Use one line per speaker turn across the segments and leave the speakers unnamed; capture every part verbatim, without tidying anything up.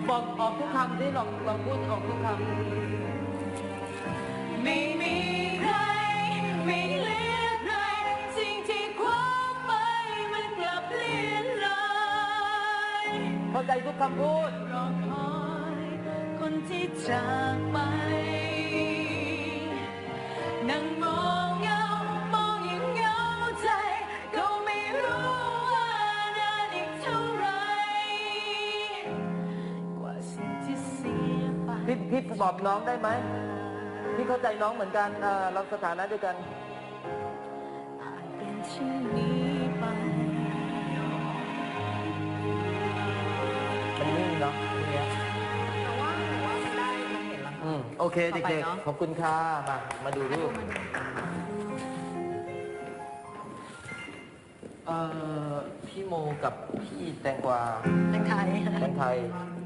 บอกออกทุกคำที่ลองลองพูดออกทุกคำ
ไม่มีใครไม่เหลือใครสิ่งที่คว้าไปมันกลับเลี่ยนลอย
เข้าใจทุกคำพูด
รอคอยคนที่จากไปนั่งมองเงามองอย่างเหงาใจก็ไม่รู้ว่านานอีกเท่าไรกว่าสิ่งที่เสียไป
พี่พี่บอกน้องได้ไหมพี่เข้าใจน้องเหมือนกันเออเราสถานะด้วยกัน
ผ่านเป็นเช่นนี้ไป
มันนิ่งเนาะทีเนี้ย
แต่ว่าหนูว่ามันได้มันเห็นแล้ว
อืมโอเคเด็กๆขอบคุณค่ะมามาดูรูปเอ่อพี่โมกับพี่แตงกวา
แตงไทย
แตงไทย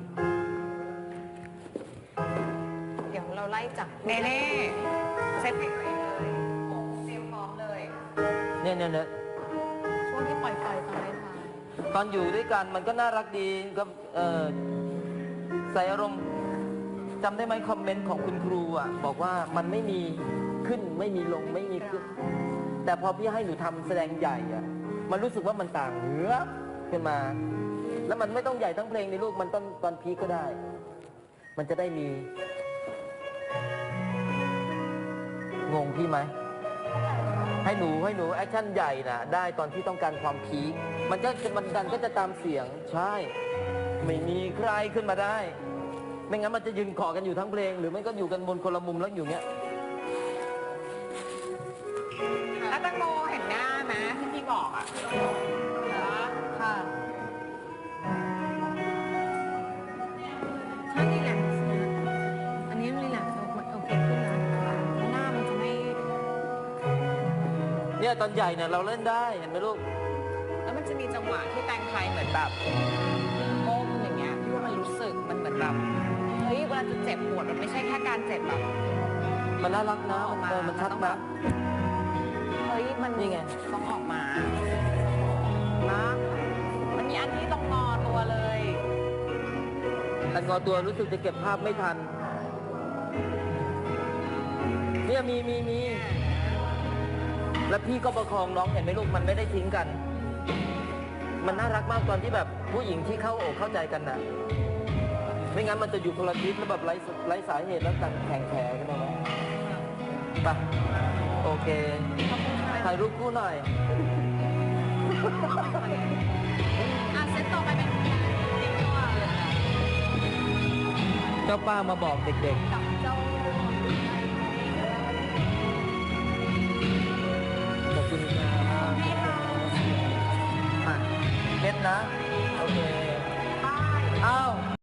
เดี๋ยวเราไล่จากเน่เน่เซตเพลงตัวเองเลยเตรียมพร้อมเลย
เนี่ยเนี่ยเนี่ย
ช่วงที่ปล่อยไฟตอนไล่ทาย
ตอนอยู่ด้วยกันมันก็น่ารักดีก็เออใส่อารมณ์จำได้ไหมคอมเมนต์ของคุณครูอ่ะบอกว่ามันไม่มีขึ้นไม่มีลงไม่มีขึ้นแต่พอพี่ให้หนูทำแสดงใหญ่อ่ะมันรู้สึกว่ามันต่างเหือขึ้นมาแล้วมันไม่ต้องใหญ่ทั้งเพลงในลูกมันตอนตอนพีก็ได้มันจะได้มีงงพี่ไหมให้หนูให้หนูแอคชั่นใหญ่น่ะได้ตอนที่ต้องการความพีคมันก็มันดันก็จะตามเสียงใช่ไม่มีใครขึ้นมาได้ไม่งั้นมันจะยืนเกาะกันอยู่ทั้งเพลงหรือไม่ก็อยู่กันบนคนละมุมแล้วอยู่เงี้ย
แล้วตังโมเห็นหน้าไหมที่พี่บอกอ่ะเหรอค่ะใช่รีแลกซ์นะอันนี้รีแลกซ์โอเคขึ้นนะหน้ามันจะไม่
เนี่ยตอนใหญ่เนี่ยเราเล่นได้เห็นไหมลูก
แล้วมันจะมีจังหวะที่แตงไทยเหมือนแบบก้มอย่างเงี้ยพี่ว่ามันรู้สึกมันเหมือนแบบเฮ้ยเวลาจะเจ็บปวดมันไม่ใช่แค่การเจ็บแบบ
มันน่ารักนะเออมันชัดนะ
เฮ้ยมัน
นี่ไง
ต้องออกมานะมันมีอันที่ต้องงอตัวเลย
อันงอตัวรู้สึกจะเก็บภาพไม่ทันเนี่ยมีมีมีแล้วพี่ก็ประคองน้องเห็นไหมลูกมันไม่ได้ทิ้งกันมันน่ารักมากตอนที่แบบผู้หญิงที่เข้าอกเข้าใจกันน่ะไม่งั้นมันจะอยู่คนละทิศแล้วแบบไร้ไร้สาเหตุแล้วต่างแข่งแข่กันมาไปโอเคถ่ายรูปคู่หน่อย
อ่ะเซตต่อไปเป็น
เจ้าป้ามาบอกเด็กๆ
กับเจ้า
ขอบคุณครับอ่ะเม็ดนะโอเคอ้าว